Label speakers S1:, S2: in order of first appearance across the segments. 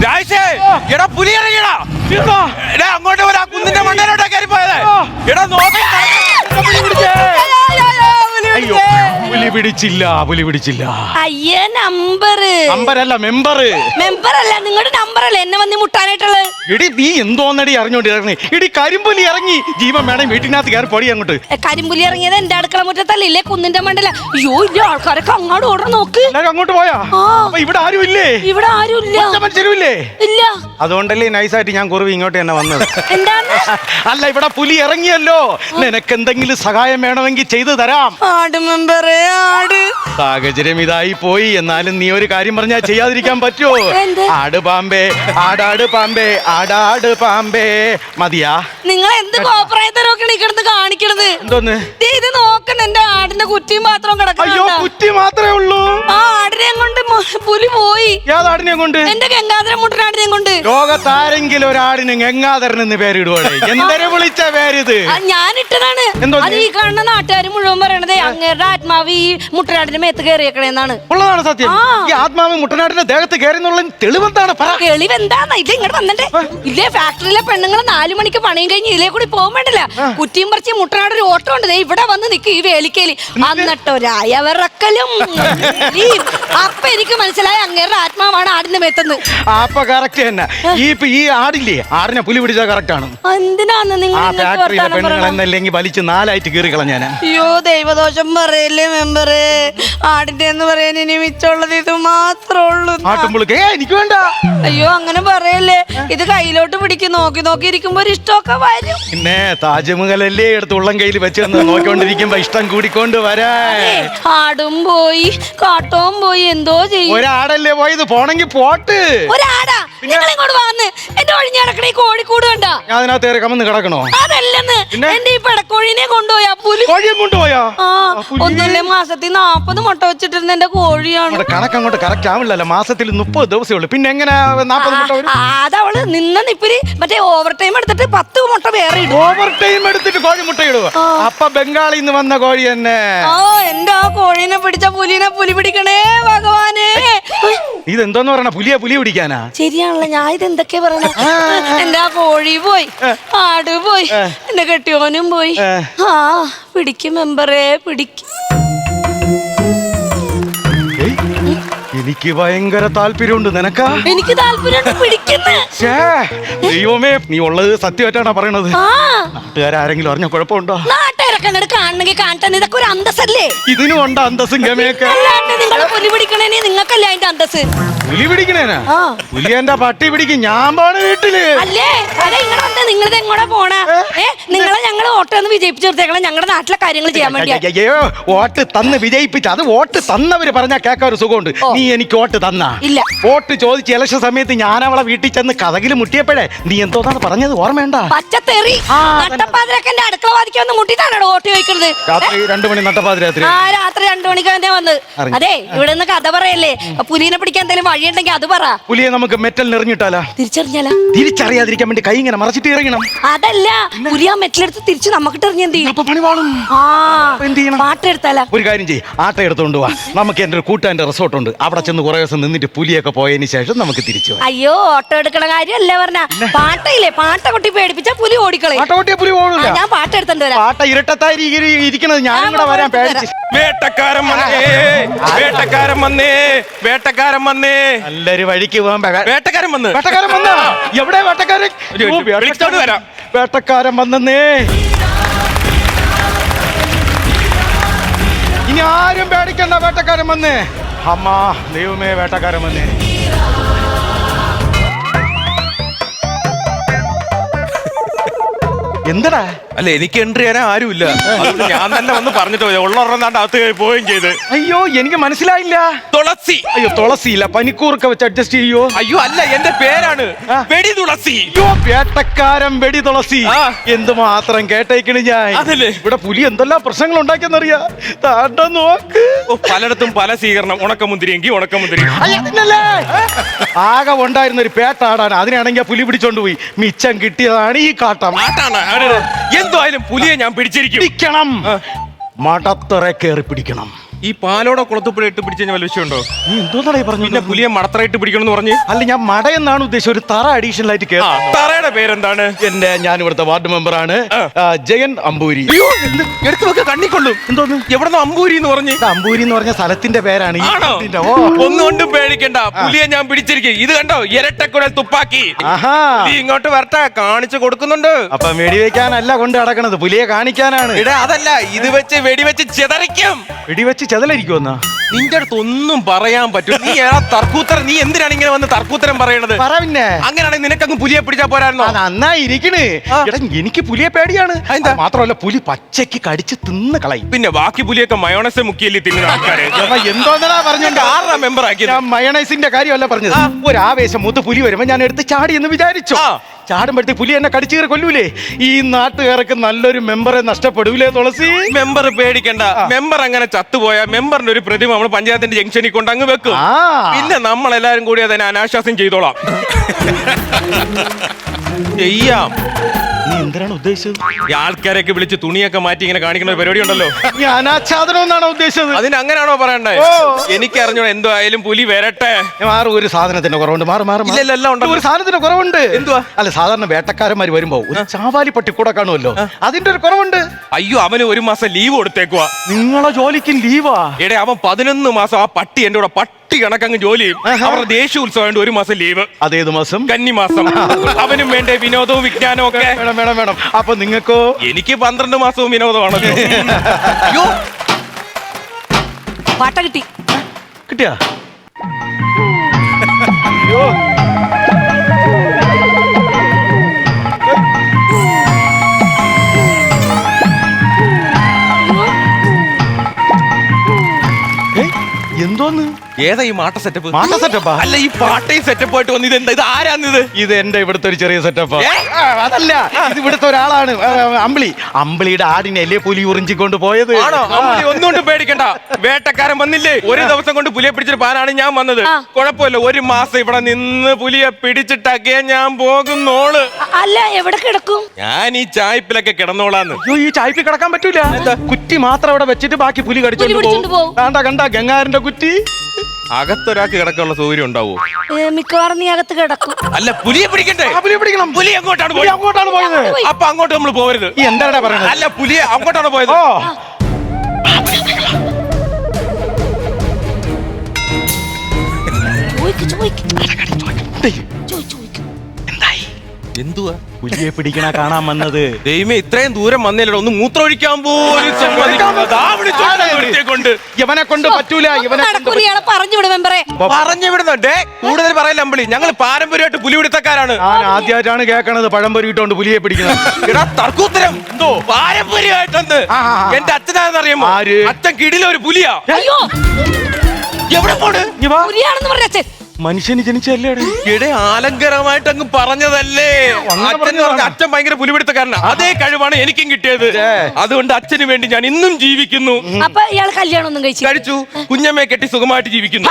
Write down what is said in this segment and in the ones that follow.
S1: രാജേഷേ, എടാ പുലി ഇറങ്ങിയടാ. എടാ അങ്ങോട്ട് വരാ, കുന്നിന്റെ മണ്ടയിലോട്ടാ കയറി പോയത്. എടാ നോക്കി.
S2: അയ്യോ, പുലി പിടിച്ചില്ല, പുലി പിടിച്ചില്ല.
S3: അയ്യേ,
S2: നമ്പരല്ല, മെമ്പറ്.
S3: മെമ്പറല്ല, നിങ്ങളുടെ നമ്പറല്ലേ എന്നെ വന്ന് മുട്ടാനായിട്ടുള്ളത്.
S2: എടി നീ എന്തോന്നടി അറിഞ്ഞോണ്ടിറങ്ങി? എടി കരിമ്പുലി ഇറങ്ങി. ജീവൻ വേണം വീട്ടിനകത്ത് കയറി പൊടി അങ്ങോട്ട്.
S3: കരിമ്പുലി ഇറങ്ങിയത് എന്റെ അടുക്കള മുറ്റത്തല്ല, ഇല്ലേ കുന്നിന്റെ മണ്ടല. അയ്യോ, ഇല്ല, ആൾക്കാരൊക്കെ അങ്ങോട്ട് ഓടണം നോക്ക്.
S2: എല്ലാരും അങ്ങോട്ട് പോയാ? അപ്പൊ ഇവിടെ ആരും ഇല്ലേ?
S3: ഇവിടെ ആരും ഇല്ല.
S2: മനുഷ്യരുമില്ലേ?
S3: ഇല്ല.
S2: അതുകൊണ്ടല്ലേ നൈസായിട്ട് ഞാൻ കുറവ് ഇങ്ങോട്ട് തന്നെ വന്നത്.
S3: എന്താണ്?
S2: അല്ല, ഇവിടെ പുലി ഇറങ്ങിയല്ലോ. നിനക്ക് എന്തെങ്കിലും സഹായം വേണമെങ്കിൽ ചെയ്തു തരാം.
S3: ആട് മെമ്പറേ, ആട്.
S2: സാഹചര്യം ഇതായി പോയി. എന്നാലും നീ ഒരു കാര്യം പറഞ്ഞാൽ ചെയ്യാതിരിക്കാൻ പറ്റുമോ? ആട് പാമ്പേ, ആടാട് പാമ്പേ, ആടാട് പാമ്പേ. മതിയാ?
S3: നിങ്ങൾ എന്ത് കോപ്രായത്തരൊക്കെയാണ് ഈ കിടന്ന് കാണിക്കണത്?
S2: എന്തോന്ന്
S3: ഇത് നോക്കണ എന്റെ ആടിന്റെ കുറ്റിയും മാത്രം കിടക്കണം.
S2: അയ്യോ, കുറ്റി മാത്രമേ ഉള്ളൂ.
S3: ആ ആടിനെ കൊണ്ട് പുലി പോയി.
S2: ഏതാടിനെ കൊണ്ട്?
S3: എന്റെ ഗംഗാധര മുട്ടനാടിനെ കൊണ്ട്.
S2: ലോകത്താരെങ്കിലും ഒരാടിന് ഗംഗാധരൻ എന്ന് പേരിടുവാടേ? എന്തൊരു വിളിച്ച പേരിത്?
S3: ഞാനിട്ടതാണ്. അത് ഈ കാണുന്ന നാട്ടുകാർ മുഴുവൻ പറയണത് അങ്ങേരുടെ ആത്മാവ് ഈ മുട്ടനാടിന്റെ മേത്ത് കയറിയേക്കണേന്നാണ്.
S2: ഉള്ളതാണ് സത്യം. ഈ ആത്മാവ് മുട്ടനാടിന്റെ ദേഹത്ത് കയറിന്നുള്ള തെളിവെന്താണ്?
S3: തെളിവെന്താന്ന്? ഇത് ഇങ്ങോട്ട് വന്നിട്ട് ഇല്ലേ, ഫാക്ടറിയിലെ പെണ്ണുങ്ങൾ 4 മണിക്ക് പണിയും കഴിഞ്ഞ് ഇതിലേ കൂടി പോകാൻ വേണ്ടില്ല. കുറ്റിയും പറിച്ച് മുട്ടനാട് ഒരു ഓട്ടം ഉണ്ട്. ഇവിടെ വന്ന് നിൽക്കും ഈ വേലിക്കേലി. എന്നിട്ടൊരായവിറക്കലും. അപ്പൊ എനിക്ക് മനസ്സിലായി അങ്ങേരുടെ ആത്മാവാണ് ആടിന്റെ മേത്തെന്ന്.
S2: അപ്പൊ കറക്റ്റ് തന്നെ. ഈ ആടില്ലേ, ആടിനെ പുലി പിടിച്ചാൽ കറക്റ്റ് ആണ്.
S3: എന്തിനാന്ന്
S2: നിങ്ങൾ വലിച്ച് 4ആയിട്ട് കീറി കളഞ്ഞാന്.
S3: അയ്യോ, ദൈവദോഷം പറയല്ലേ മെമ്പറേ. ആടിന്റെ എന്ന് പറയാൻ ഇനി മിച്ചമുള്ളത് ഇത് മാത്രമേ ഉള്ളൂ.
S2: എനിക്ക് വേണ്ട.
S3: അയ്യോ, അങ്ങനെ പറയല്ലേ. ഇത് കയ്യിലോട്ട് പിടിക്കും. നോക്കി നോക്കി ഇരിക്കുമ്പോ ഒരു ഇഷ്ടമൊക്കെ വരും.
S2: പിന്നെ താജ്മഹലല്ലേ എടുത്ത് ഉള്ളം കയ്യിൽ വെച്ച് നോക്കിക്കൊണ്ടിരിക്കുമ്പോ ഇഷ്ടം കൂടിക്കൊണ്ട് വരാ.
S3: ആടും പോയി, കാട്ടവും പോയി, എന്തോ ചെയ്യും.
S2: ഒരാടല്ലേ പോയത്, പോണെങ്കി പോട്ട്.
S3: ഒരാടാ? നിങ്ങൾ ഇങ്ങോട്ട് വന്ന് എന്റെ ഒഴിഞ്ഞടക്കണ ഈ കോഴിക്കൂട് കണ്ട.
S2: ഞാൻ അതിനകത്ത് കയറി കമന്ന് കിടക്കണോ?
S3: അതല്ലെന്ന്, എന്റെ ഈ പെടക്കോഴിനെ കൊണ്ടുപോയാ പുലി.
S2: കോഴിയെ കൊണ്ടുപോയാ?
S3: ഒന്നുമില്ലേ, മാസത്തിൽ 40 മുട്ട വെച്ചിട്ടിരുന്ന എന്റെ കോഴിയാണ്.
S2: കണക്കങ്ങോട്ട് കറക്റ്റ് ആവില്ലല്ലോ. മാസത്തിൽ 30 ദിവസമേ ഉള്ളൂ. പിന്നെ എങ്ങനെ 40 മുട്ട വരും?
S3: അതവള് നിന്ന നിപ്പില് മറ്റേ ഓവർ ടൈം എടുത്തിട്ട് 10 മുട്ട വേറെ ഇടും.
S2: ഓവർ ടൈം എടുത്തിട്ട് കോഴി മുട്ട ഇടുക? അപ്പൊ ബംഗാളിൽ നിന്ന് വന്ന കോഴി തന്നെ.
S3: എന്റെ ആ കോഴീനെ പിടിച്ച പുലിനെ പുലി പിടിക്കണേ ഭഗവാനെ.
S2: ഇതെന്തോന്ന് പറയണ? പുലി പിടിക്കാനാ?
S3: ശരിയാണല്ലോ, ഞാൻ ഇത് എന്തൊക്കെയാ പറയണ. എന്റെ ആ കോഴി പോയി, ആട് പോയി, എന്റെ കെട്ടിയോനും പോയി. പിടിക്കും മെമ്പറേ, പിടിക്കും.
S2: എനിക്ക് ഭയങ്കര താല്പര്യമുണ്ട്. നിനക്കാ?
S3: എനിക്ക് താല്പര്യമുണ്ട്, പിടിക്കുന്നു.
S2: ദൈവമേ, നീ ഉള്ളത് സത്യമായിട്ടാണോ പറയണത്? നാട്ടുകാരെങ്കിലും അറിഞ്ഞ കുഴപ്പമുണ്ടോ?
S3: നാട്ടുകാരൊക്കെ അങ്ങോട്ട് കാണണമെങ്കിൽ കാണട്ടെ. ഇതൊക്കെ ഒരു അന്തസ്സല്ലേ?
S2: ഇതിനും ഉണ്ട് അന്തസ്സും ഗമയൊക്കെ.
S3: അല്ലാണ്ട് നിങ്ങളെ പുലി പിടിക്കണേനെ നിങ്ങൾക്കല്ലേ അതിന്റെ അന്തസ്?
S2: പുലി പിടിക്കണേനാ? പുലി എന്റെ പട്ടി പിടിക്കും. ഞാൻ പോണ വീട്ടില്
S3: അല്ലേ? അതെ, ഇങ്ങനെ വന്ന് നിങ്ങളിത് എങ്ങോട്ടാ പോണ? നിങ്ങളെ ഞങ്ങൾ വോട്ട് വിജയിപ്പിച്ചു നിർത്തേക്കണം ഞങ്ങളുടെ നാട്ടിലെ കാര്യങ്ങൾ ചെയ്യാൻ വേണ്ടി.
S2: അയ്യോ, വോട്ട് തന്ന് വിജയിപ്പിച്ച അത് വോട്ട് തന്നവര് പറഞ്ഞാ കേൾക്കാൻ ഒരു സുഖമുണ്ട്. നീ എനിക്ക് വോട്ട് തന്നാ?
S3: ഇല്ല.
S2: വോട്ട് ചോദിച്ച് ഇലക്ഷൻ സമയത്ത് ഞാൻ അവളെ വീട്ടിൽ ചെന്ന് കഥകില് മുട്ടിയപ്പോഴേ നീ എന്തോന്നാണ് പറഞ്ഞത് ഓർമ്മയുണ്ട?
S3: പച്ചത്തെറി. നട്ടപ്പാതിരൊക്കെ എന്റെ അടുക്കള വാദിക്കൊന്ന് മുട്ടിട്ടാണോ വോട്ട് ചോദിക്കുന്നത്?
S2: രാത്രി 2 മണി നട്ടപ്പാതിരാത്രി.
S3: രാത്രി 2 മണിക്ക് തന്നെ വന്ന്. അതെ, ഇവിടെ നിന്ന് കഥ പറയല്ലേ. പുലിനെ പിടിക്കാൻ എന്തെങ്കിലും വഴിയുണ്ടെങ്കിൽ അത് പറ.
S2: പുലിയെ നമുക്ക് മെറ്റൽ നിറഞ്ഞിട്ടാലാ?
S3: തിരിച്ചറിഞ്ഞാലാ?
S2: തിരിച്ചറിയാതിരിക്കാൻ വേണ്ടി കൈ ഇങ്ങനെ മറച്ചിട്ട് ഇറങ്ങണം.
S3: അതല്ല, പുലി ആ മെറ്റലെടുത്ത് തിരിച്ച് നമുക്കിട്ട് എറിഞ്ഞ എന്ത് ചെയ്യും? പാട്ടെടുത്താലാ?
S2: ഒരു കാര്യം ചെയ്യും, ആട്ട എടുത്തോണ്ട് പോവാ. നമുക്ക് എന്റെ ഒരു കൂട്ടാന്റെ റിസോർട്ട് ഉണ്ട്. അവിടെ ചെന്ന് കുറെ ദിവസം നിന്നിട്ട് പുലിയൊക്കെ പോയതിന് ശേഷം നമുക്ക് തിരിച്ചു.
S3: അയ്യോ, ഓട്ടോ എടുക്കണ കാര്യമല്ല പറഞ്ഞ. പാട്ടയില്ലേ, പാട്ട കൊട്ടി പേടിപ്പിച്ചാ പുലി ഓടിക്കളെ.
S2: പുലി ഓടില്ല.
S3: ഞാൻ പാട്ടെടുത്തോണ്ട് വരാം.
S2: പാട്ട ഇരട്ടത്തായി ഇരിക്കണത് ഞാൻ കൂടെ വരാൻ പേടിച്ച്.
S1: വേട്ടക്കാരൻ വന്നേ, വേട്ടക്കാരൻ വന്നേ, വേട്ടക്കാരൻ വന്നേ.
S2: നല്ലൊരു വഴിക്ക് പോകാൻ
S1: വേട്ടക്കാരൻ വന്ന്.
S2: വേട്ടക്കാരൻ വന്ന? എവിടെ വേട്ടക്കാരൻ?
S1: വരാം.
S2: വേട്ടക്കാരൻ വന്നേ. ഇനി ആരും പേടിക്കണ്ട, വേട്ടക്കാരൻ വന്നേ. അമ്മ ദൈവമേ, വേട്ടക്കാരൻ വന്നേ. എന്തടാ?
S1: അല്ല, എനിക്ക് എൻട്രി ചെയ്യാൻ ആരുമില്ല. ഞാൻ തന്നെ വന്ന് പറഞ്ഞിട്ട് ഉള്ളൊരെണ്ണാണ്ട് അകത്ത് പോവുകയും ചെയ്ത്.
S2: അയ്യോ, എനിക്ക് മനസ്സിലായില്ല.
S1: തുളസി.
S2: അയ്യോ, തുളസി ഇല്ല, പനിക്കൂർക്ക വെച്ച് അഡ്ജസ്റ്റ് ചെയ്യോ?
S1: അയ്യോ, അല്ല, എന്റെ പേരാണ് വെടി തുളസി.
S2: അയ്യോ, വേട്ടക്കാരൻ വെടി തുളസി. എന്തുമാത്രം കേട്ടേക്കണ് ഞാൻ.
S1: അതല്ലേ,
S2: ഇവിടെ പുലി എന്തെല്ലാം പ്രശ്നങ്ങൾ ഉണ്ടാക്കിയെന്നറിയാ. താണ്ട നോക്ക്,
S1: പലയിടത്തും പല സ്വീകരണം. ഉണക്കമുന്തിരി എങ്കിൽ ഉണക്കമുന്തിരി.
S2: ആകെ ഉണ്ടായിരുന്ന ഒരു പേട്ടാടാണ്. അതിനാണെങ്കിൽ പുലി പിടിച്ചോണ്ട് പോയി. മിച്ചം കിട്ടിയതാണ് ഈ കാട്ടം.
S1: എന്തായാലും പുലിയെ ഞാൻ പിടിച്ചിരിക്കും.
S2: പിടിക്കണം, മടത്തറ കയറി പിടിക്കണം.
S1: ഈ പാലോടെ കുളത്തുപ്പുഴ ഇട്ട് പിടിച്ചു കഴിഞ്ഞാൽ വല്ല വിഷയമുണ്ടോ?
S2: നീ എന്തോന്നാണ് ഈ പറഞ്ഞു?
S1: പിന്നെ പുലിയെ മടത്തറയിട്ട് പിടിക്കണം എന്ന് പറഞ്ഞ്.
S2: അല്ല, ഞാൻ മട എന്നാണ് ഉദ്ദേശിച്ചത്. ഒരു തറ അഡീഷണൽ ആയിട്ട് കേട്ടോ.
S1: തറയുടെ പേരെന്താണ്?
S2: ഞാൻ ഇവിടുത്തെ വാർഡ് മെമ്പറാണ്, ജയൻ അമ്പൂരി.
S1: അയ്യോ, എടുത്തു വെക്ക കണ്ണിക്കൊള്ളും.
S2: എന്തോന്ന്?
S1: എവിടെന്നോ അമ്പൂരി എന്ന് പറഞ്ഞ്.
S2: അമ്പൂരി എന്ന് പറഞ്ഞ സ്ഥലത്തിന്റെ പേരാണ്.
S1: ആണോ? ഒന്നുകൊണ്ടും പേടിക്കണ്ട, പുലിയെ ഞാൻ പിടിച്ചിരിക്കും. ഇത് കണ്ടോ, ഇരട്ടക്കുഴൽ തുപ്പാക്കി.
S2: ആഹാ,
S1: നീ ഇങ്ങോട്ട് വരട്ടെ, കാണിച്ചു കൊടുക്കുന്നുണ്ട്.
S2: അപ്പൊ വെടിവെക്കാനല്ല കൊണ്ട് നടക്കണത്, പുലിയെ കാണിക്കാനാണ്.
S1: ഇടാ, അതല്ല, ഇത് വെച്ച് വെടിവെച്ച് ചെതറിക്കും.
S2: വെടിവെച്ച് ചെതലരിക്കുമെന്നാ?
S1: നിന്റെ അടുത്ത് ഒന്നും പറയാൻ പറ്റും. നീ തർക്കൂത്തരം, നീ എന്തിനാണ് ഇങ്ങനെ വന്ന് തർക്കൂത്തരം പറയണത്?
S2: പറ പിന്നെ.
S1: അങ്ങനെയാണെങ്കിൽ നിനക്കങ്ങ് പുലിയെ പിടിച്ചാ പോരായിരുന്നോ?
S2: നന്നായിരിക്കണേ. എടാ, എനിക്ക് പുലിയെ പേടിയാണ്. മാത്രമല്ല, പുലി പച്ചയ്ക്ക് കടിച്ച് തിന്ന് കളയും.
S1: പിന്നെ ബാക്കി പുലിയൊക്കെ മയോണൈസ് മുക്കിയല്ലേ തിന്നുന്ന ആൾക്കാരെ.
S2: എന്തോന്നാ പറഞ്ഞോണ്ട്
S1: ആറാ മെമ്പർ ആക്കി.
S2: ഞാൻ മയണൈസിന്റെ കാര്യമല്ല പറഞ്ഞത്. ഒരു ആവേശം മൂത്ത് പുലി വരുമ്പോ ഞാൻ എടുത്ത് ചാടി എന്ന് വിചാരിച്ചു. ചാടുമ്പോഴത്തെ പുലി എന്നെ കടിച്ചു കയറി കൊല്ലൂലേ? ഈ നാട്ടുകാർക്ക് നല്ലൊരു മെമ്പറെ നഷ്ടപ്പെടൂലേ തുളസി?
S1: മെമ്പർ പേടിക്കണ്ട. മെമ്പർ അങ്ങനെ ചത്തുപോയാ മെമ്പറിന്റെ ഒരു പ്രതിമ നമ്മൾ പഞ്ചായത്തിന്റെ ജംഗ്ഷനിൽ കൊണ്ട് അങ്ങ് വെക്കും. പിന്നെ നമ്മളെല്ലാരും കൂടി അതിനെ അനാശാസം ചെയ്തോളാം. ചെയ്യാം.
S2: നീ എന്തിനാണ് ഉദ്ദേശിച്ചത്?
S1: ഈ ആൾക്കാരൊക്കെ വിളിച്ച് തുണിയൊക്കെ മാറ്റി ഇങ്ങനെ കാണിക്കുന്ന പരിപാടി ഉണ്ടല്ലോ.
S2: നീ അനാച്ഛാദനം എന്നാണോ ഉദ്ദേശിച്ചത്?
S1: അതിന് അങ്ങനെയാണോ പറയണ്ടേ? എനിക്കറിഞ്ഞോ, എന്തോ ആയാലും പുലി വരട്ടെ.
S2: മാറും, ഒരു സാധനത്തിന്റെ കുറവുണ്ട്.
S1: ഇല്ലെല്ലാം ഉണ്ടല്ലോ.
S2: ഒരു സാധനത്തിന്റെ കുറവുണ്ട്.
S1: എന്തുവാ?
S2: അല്ല, സാധാരണ വേട്ടക്കാരന്മാര് വരുമ്പോ ഒരു ചാവാലി പട്ടി കൂടെ കാണുമല്ലോ, അതിന്റെ ഒരു കുറവുണ്ട്.
S1: അയ്യോ, അവന് 1 മാസം ലീവ് കൊടുത്തേക്കുവാ.
S2: നിങ്ങളെ ജോലിക്ക് ലീവാ?
S1: എടേ, അവൻ 11 മാസം ആ പട്ടി എന്റെ കൂടെ പട്ടി കണക്കങ്ങ് ജോലി ചെയ്യും. അവരുടെ ദേശീയോത്സവം 1 മാസം ലീവ്.
S2: അതേത് മാസം?
S1: കന്നിമാസം. അവനും വേണ്ടേ വിനോദവും വിജ്ഞാനവും ഒക്കെ.
S2: വേണം. അപ്പൊ നിങ്ങൾക്കോ?
S1: എനിക്ക് 12 മാസവും വിനോദമാണല്ലോ. അയ്യോ,
S3: പാട്ട കിട്ടി.
S2: കിട്ടിയാ? അയ്യോ, എന്തോന്ന്?
S1: ഏതാ ഈ മാട്ട സെറ്റപ്പ്?
S2: മാട്ട സെറ്റപ്പാ?
S1: അല്ല, ഈ പാട്ടയും സെറ്റപ്പ് ആയിട്ട് വന്ന് ഇതെന്താ? ഇത് ആരാന്നിത്?
S2: ഇത് എന്റെ ഇവിടുത്തെ ഒരു ചെറിയ സെറ്റപ്പാ. അതല്ല, ഇത് ഇവിടുത്തെ ഒരാളാണ്, അമ്പിളിയുടെ ആടിനല്ലേ പുലി ഉറിഞ്ചിക്കൊണ്ട് പോയത്.
S1: ആണോ? ഒന്നുകൊണ്ട് പേടിക്കണ്ട, വേട്ടക്കാരൻ വന്നില്ലേ? ഒരു ദിവസം കൊണ്ട് പുലിയെ പിടിച്ചിട്ട് പാനാണ് ഞാൻ വന്നത്. കുഴപ്പമില്ല, 1 മാസം ഇവിടെ നിന്ന് പുലിയെ പിടിച്ചിട്ടൊക്കെ ഞാൻ പോകുന്നോള്.
S3: അല്ല, എവിടെ കിടക്കും?
S1: ഞാൻ ഈ ചായ്പിലൊക്കെ കിടന്നോളാന്ന്.
S2: അയ്യോ, ഈ ചായ്പി കിടക്കാൻ പറ്റൂല. കുറ്റി മാത്രം അവിടെ വെച്ചിട്ട് ബാക്കി പുലി കടിച്ചോണ്ട് പോകും. കണ്ട ഗംഗാരന്റെ കുറ്റി.
S1: അകത്തൊരാൾക്ക് കിടക്കാനുള്ള സൗകര്യം ഉണ്ടാവോ?
S3: മിക്കവാറും നീ അകത്ത് കിടക്കും.
S1: അല്ല, പുലിയെ പിടിക്കണ്ടേ?
S2: പുലിയെ പിടിക്കണം.
S1: പുലി അങ്ങോട്ടാണ്
S2: പോയത്.
S1: അപ്പൊ അങ്ങോട്ട് നമ്മൾ പോകരുത്.
S2: എന്താണ് പറയുന്നത്?
S1: അല്ല, പുലിയെ അങ്ങോട്ടാണ് പോയത്. എന്തുവാ?
S2: പുലിയെ പിടിക്കണ കാണാൻ വന്നത്.
S1: ദൈവമേ, ഇത്രയും ദൂരം വന്നില്ലല്ലോ, ഒന്ന് മൂത്രമൊഴിക്കാൻ പോലും കൊണ്ട്.
S2: ഇവനെ കൊണ്ട് പറ്റൂല.
S3: പറഞ്ഞു വിടും മെമ്പറെ.
S1: പറഞ്ഞു വിടുന്നുണ്ടേ. കൂടുതൽ പറയല്ല അമ്പിളി, ഞങ്ങൾ പാരമ്പര്യമായിട്ട് പുലി പിടുത്തക്കാരാണ്.
S2: ഞാൻ ആദ്യമായിട്ടാണ് കേൾക്കണത് പഴംപൊരി ഇട്ടോണ്ട് പുലിയെ പിടിക്കുന്നത്.
S1: തർക്കൂത്തരം എന്തോ പാരമ്പര്യമായിട്ടുണ്ട്. എന്റെ അച്ഛനാണെന്നറിയാമോ? അച്ഛൻ കിടിലൊരു പുലിയാ.
S3: അയ്യോ,
S1: എവിടെ പോണ്?
S3: പുലിയാണെന്ന് പറഞ്ഞ അച്ഛൻ
S2: മനുഷ്യന് ജനിച്ചല്ലേ?
S1: ഇടെ ആലങ്കരമായിട്ട് അങ്ങ് പറഞ്ഞതല്ലേ. അച്ഛൻ ഭയങ്കര പുലിപിടുത്തക്കാരനാ. അതേ കഴിവാണ് എനിക്കും കിട്ടിയത്. അതുകൊണ്ട് അച്ഛന് വേണ്ടി ഞാൻ ഇന്നും ജീവിക്കുന്നു.
S3: അപ്പൊ ഇയാൾ കല്യാണം ഒന്നും
S1: കഴിച്ചു, കുഞ്ഞമ്മയെ കെട്ടി സുഖമായിട്ട് ജീവിക്കുന്നു.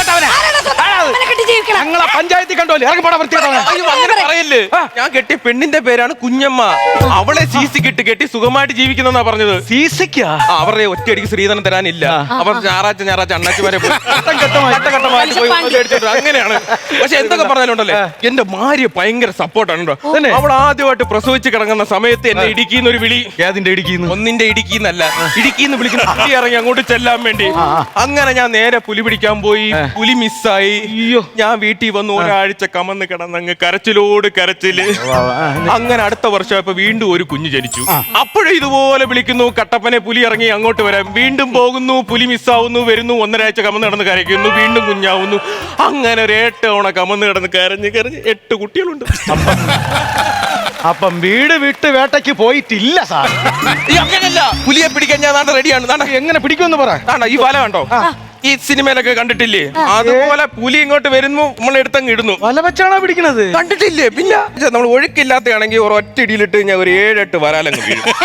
S2: ഞങ്ങളെ പഞ്ചായത്തിൽ കണ്ടോല്ലേ?
S1: അങ്ങനെ പറയല്ലേ. ഞാൻ കെട്ടിയ പെണ്ണിന്റെ പേരാണ് കുഞ്ഞമ്മ. അവളെ സീസി കെട്ടി സുഖമായിട്ട് ജീവിക്കുന്നെന്നാ പറഞ്ഞത്.
S2: സീസിക്കാ?
S1: അവരുടെ ഒറ്റയടിക്ക് ശ്രീധനം തരാനില്ല. അവർ ഞായറാഴ്ച അണ്ണാച്ചിമാരെ പോയി അങ്ങനെയാണ്. പക്ഷെ എന്തൊക്കെ പറഞ്ഞാലുണ്ടല്ലേ, എന്റെ ഭാര്യ ഭയങ്കര സപ്പോർട്ടാണ്. അവൾ ആദ്യമായിട്ട് പ്രസവിച്ച് കിടങ്ങുന്ന സമയത്ത് എന്നെ ഇടുക്കിന്നൊരു വിളി.
S2: ഏതിന്റെ ഇടുക്കിന്ന്?
S1: ഒന്നിന്റെ ഇടുക്കിന്നല്ല, ഇടുക്കിന്ന് വിളിക്കുന്ന പുലി ഇറങ്ങി അങ്ങോട്ട് ചെല്ലാൻ വേണ്ടി. അങ്ങനെ ഞാൻ നേരെ പുലി പിടിക്കാൻ പോയി. പുലി മിസ്സായി. ഞാൻ വീട്ടിൽ വന്ന് ഒരാഴ്ച കമന്ന് കിടന്നങ്ങ് കരച്ചിലോട് കരച്ചില്. അങ്ങനെ അടുത്ത വർഷം ഇപ്പൊ വീണ്ടും ഒരു കുഞ്ഞ് ജനിച്ചു. അപ്പോഴും ഇതുപോലെ വിളിക്കുന്നു, കട്ടപ്പനെ പുലി ഇറങ്ങി അങ്ങോട്ട് വരാം. വീണ്ടും പോകുന്നു, പുലി മിസ്സാവുന്നു, വരുന്നു, 1.5 ആഴ്ച കമന്ന് കിടന്ന് കരയ്ക്കുന്നു, വീണ്ടും കുഞ്ഞാവുന്നു. അങ്ങനെ ഒരു 8 തവണ കമന്ന് കിടന്ന് കരഞ്ഞ് 8 കുട്ടികളുണ്ട്.
S2: അപ്പം വീട് വിട്ട് വേട്ടയ്ക്ക് പോയിട്ടില്ല സാർ.
S1: അങ്ങനല്ല, പുലിയെ പിടിക്കാൻ ഞാൻ റെഡിയാണ്.
S2: എങ്ങനെ പിടിക്കുമെന്ന് പറ.
S1: ഈ വല കണ്ടോ? ഈ സിനിമയിലൊക്കെ കണ്ടിട്ടില്ലേ? അതുപോലെ പുലി ഇങ്ങോട്ട് വരുന്നു, നമ്മൾ എടുത്തങ്ങ് ഇടുന്നു.
S2: വല വെച്ചാണോ പിടിക്കണത്?
S1: കണ്ടിട്ടില്ലേ? പിന്നെ നമ്മൾ ഒഴുക്കില്ലാത്തയാണെങ്കിൽ ഒറ്റ ഇടിയിലിട്ട് ഞാൻ ഒരു 7-8 വരാലങ്ങ് വീഴും.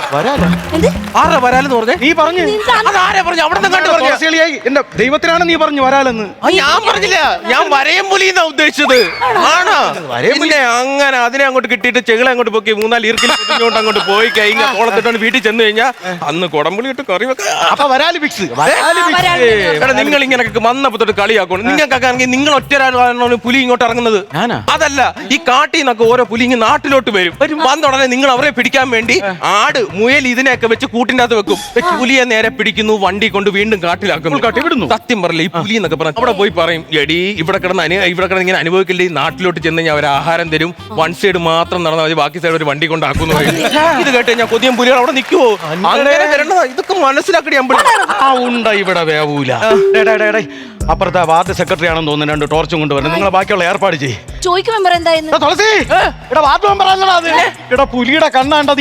S2: വരാല
S3: എന്ത്?
S1: ആരാ വരാലെന്ന് പറഞ്ഞേ?
S2: നീ പറഞ്ഞു
S1: അതാരാ പറഞ്ഞു? അവിടെ നിന്ന് കണ്ടു പറഞ്ഞു.
S2: തുളസികളിയായി എന്റെ ദൈവത്തിനാണ് നീ പറഞ്ഞു വരാലെന്ന്.
S1: ഞാൻ പറഞ്ഞില്ല, ഞാൻ വരയം പുലി എന്നാ ഉദ്ദേശിച്ചത്. ആണോ? പിന്നെ അങ്ങനെ അതിനെ അങ്ങോട്ട് കിട്ടിയിട്ട് ചെകിളെ അങ്ങോട്ട് പൊക്കി 3-4 ഈർക്കിൽ പൊതിഞ്ഞോണ്ട് അങ്ങോട്ട് പോയി കഴിഞ്ഞാൽ കോളത്തിട്ടാണ് വീട്ടിൽ ചെന്ന് കഴിഞ്ഞാൽ അന്ന് കുടംപുളി ഇട്ട് കറി വെക്കാം.
S2: അപ്പൊ വരാല് ഫിക്സ്.
S1: നിങ്ങൾ ഇങ്ങനെയൊക്കെ വന്നപ്പോ തൊട്ട് കളിയാക്കണം. നിങ്ങൾക്കൊക്കെ ആണെങ്കിൽ നിങ്ങൾ ഒറ്റ പുലി ഇങ്ങോട്ട് ഇറങ്ങുന്നത്. അതല്ല, ഈ കാട്ടിൽ നിന്നൊക്കെ ഓരോ പുലി ഇങ്ങനെ നാട്ടിലോട്ട് വരും. വന്ന ഉടനെ നിങ്ങൾ അവരെ പിടിക്കാൻ വേണ്ടി ആട്, മുയൽ ഇതിനെയൊക്കെ വെച്ച് കൂട്ടിന്റെ അകത്ത് വെക്കും. പുലിയെ നേരെ പിടിക്കുന്നു, വണ്ടി കൊണ്ട് വീണ്ടും കാട്ടിലാക്കുന്നു. സത്യം പറയില്ല, ഈ പുലി എന്നൊക്കെ പറഞ്ഞു അവിടെ പോയി പറയും, എടി ഇവിടെ കിടന്ന് ഇങ്ങനെ അനുഭവിക്കില്ലേ, നാട്ടിലോട്ട് ചെന്ന് കഴിഞ്ഞാൽ അവർ ആഹാരം തരും, വൺ സൈഡ് മാത്രം നടന്നാൽ മതി, ബാക്കി സൈഡ് ഒരു വണ്ടി കൊണ്ട് ആക്കുന്നു. ഇത് കേട്ട് കഴിഞ്ഞാൽ കൊതിയം പുലികൾ അവിടെ നിൽക്കുവോ? അങ്ങനെ വരണതാ. ഇതൊക്കെ മനസ്സിലാക്കടി അമ്പളി.
S2: ഉണ്ട ഇവിടെ വേവൂല. അപ്പുറത്തെ വാർഡ് സെക്രട്ടറി ആണെന്ന് തോന്നുന്നു 2 ടോർച്ചും കൊണ്ടുവരണം. നിങ്ങൾ ബാക്കിയുള്ള ഏർപ്പാട് ചെയ്യും.
S3: ചോദിക്കും മെമ്പർ എന്തായിരുന്നു?
S2: തുളസി ഇവിടെ വാർഡ് മെമ്പർ ആണല്ലോ അത്. ഇവിടെ പുലിയുടെ കണ്ണാണ്ടത്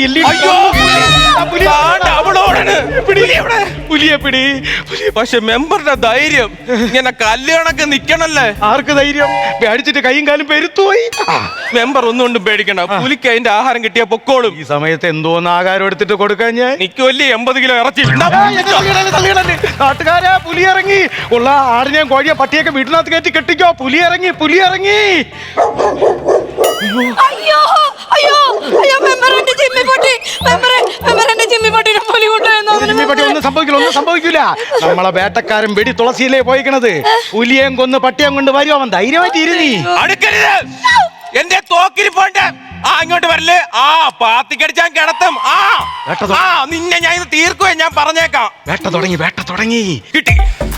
S2: പുലിയെ പിടി.
S1: പക്ഷെ മെമ്പറുടെ ധൈര്യം ഇങ്ങനെ കല്യാണൊക്കെ നിക്കണല്ലേ.
S2: ആർക്ക് ധൈര്യം? പേടിച്ചിട്ട് കൈയും കാലും പെരുത്തുപോയി.
S1: മെമ്പർ ഒന്നുകൊണ്ടും പേടിക്കണ്ട, പുലിക്ക് അതിന്റെ ആഹാരം കിട്ടിയാ പൊക്കോളും.
S2: ഈ സമയത്ത് എന്തോന്ന് ആഹാരം എടുത്തിട്ട് കൊടുക്കാൻ ഞാൻ
S1: നിക്കുവല്ലേ 80 കിലോ ഇറച്ചി.
S2: നാട്ടുകാരെ പുലി ഇറങ്ങി. ഉള്ള ആടിനെയും കോഴിയെ പട്ടിയൊക്കെ വീട്ടിനകത്ത് കയറ്റി കെട്ടിക്കോ. പുലി ഇറങ്ങി.
S3: അയ്യോ അയ്യോ അയ്യോ മെമ്പർ എന്റെ ജിമ്മിപ്പൊട്ടി. മെമ്പർ എന്റെ ജിമ്മിപ്പൊട്ടിനെ പുലി കൊണ്ടുപോയി.
S2: ഒന്നും സംഭവിക്കില്ല. നമ്മളെ വേട്ടക്കാരൻ വെടി തുളസിയിലേ പോയിക്കണത്. പുലിയേം കൊന്ന് പട്ടിയം കൊണ്ട് വരുമോ? അവൻ ധൈര്യമായിട്ട് ഇരുന്നീ.
S1: അടുക്കരുത്, എന്റെ തോക്കിൽ പോണ്ട. ഇങ്ങോട്ട് വരല്ലേ. പാത്തിക്കടിച്ചാൻ കിടത്തും. നിന്നെ ഞാൻ ഇത് തീർക്കുവേ, ഞാൻ പറഞ്ഞേക്കാം.
S2: വേട്ട തുടങ്ങി.
S1: കിട്ടി.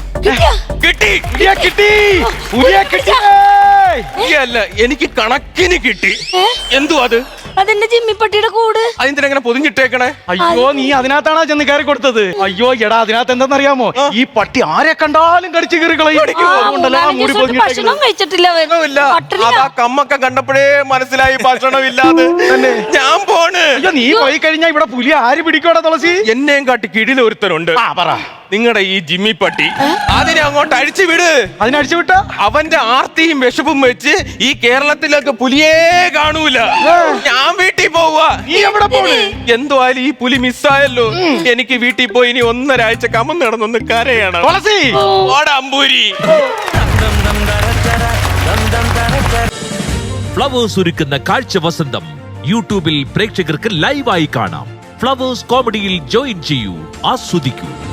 S1: അല്ല, എനിക്ക് കണക്കിന് കിട്ടി. എന്തുവാ അത്?
S3: അതെന്റെ ജിമ്മിപ്പട്ടിയുടെ കൂട്.
S1: അതിനെങ്ങനെ പൊതിഞ്ഞിട്ടേക്കണേ?
S2: അയ്യോ, നീ അതിനകത്താണോ ചെന്ന് കയറി കൊടുത്തത്? അയ്യോ എടാ, അതിനകത്ത് എന്താണെന്നറിയാമോ? ഈ പട്ടി ആരെ കണ്ടാലും കടിച്ചു കയറി കളയും.
S3: ഭക്ഷണം കഴിച്ചിട്ടില്ല.
S1: അതാ കമ്മൊക്കെ കണ്ടപ്പോഴേ മനസ്സിലായി ഭക്ഷണമില്ലാതെ. ഞാൻ പോണ്.
S2: അയ്യോ, നീ പോയി കഴിഞ്ഞാ ഇവിടെ പുലി ആര് പിടിക്കോടാ തുളസി?
S1: എന്നെയും കാട്ടി കിടില ഒരുത്തരുണ്ട്.
S2: പറ.
S1: നിങ്ങളുടെ ഈ ജിമ്മി പട്ടി അതിനെ അങ്ങോട്ട് അഴിച്ചു വിട്.
S2: അതിനഴിച്ചു വിട്ട
S1: അവന്റെ ആർത്തിയും വിശപ്പും വെച്ച് ഈ കേരളത്തിലൊക്കെ പുലിയേ കാണൂല. ഞാൻ വീട്ടിൽ പോവാ.
S2: നീ എവിടെ പോണ്?
S1: എന്തുവായാലും ഈ പുലി മിസ്സായല്ലോ. എനിക്ക് വീട്ടിൽ പോയി ഇനി 1.5 ആഴ്ച കമന്ന് നടന്നൊന്ന് കരയാണ്. അമ്പൂരി
S4: ഫ്ലവേഴ്സ് ഒരുക്കുന്ന കാഴ്ച വസന്തം യൂട്യൂബിൽ പ്രേക്ഷകർക്ക് ലൈവായി കാണാം. ഫ്ലവേഴ്സ് കോമഡിയിൽ ജോയിൻ ചെയ്യൂ, ആസ്വദിക്കൂ.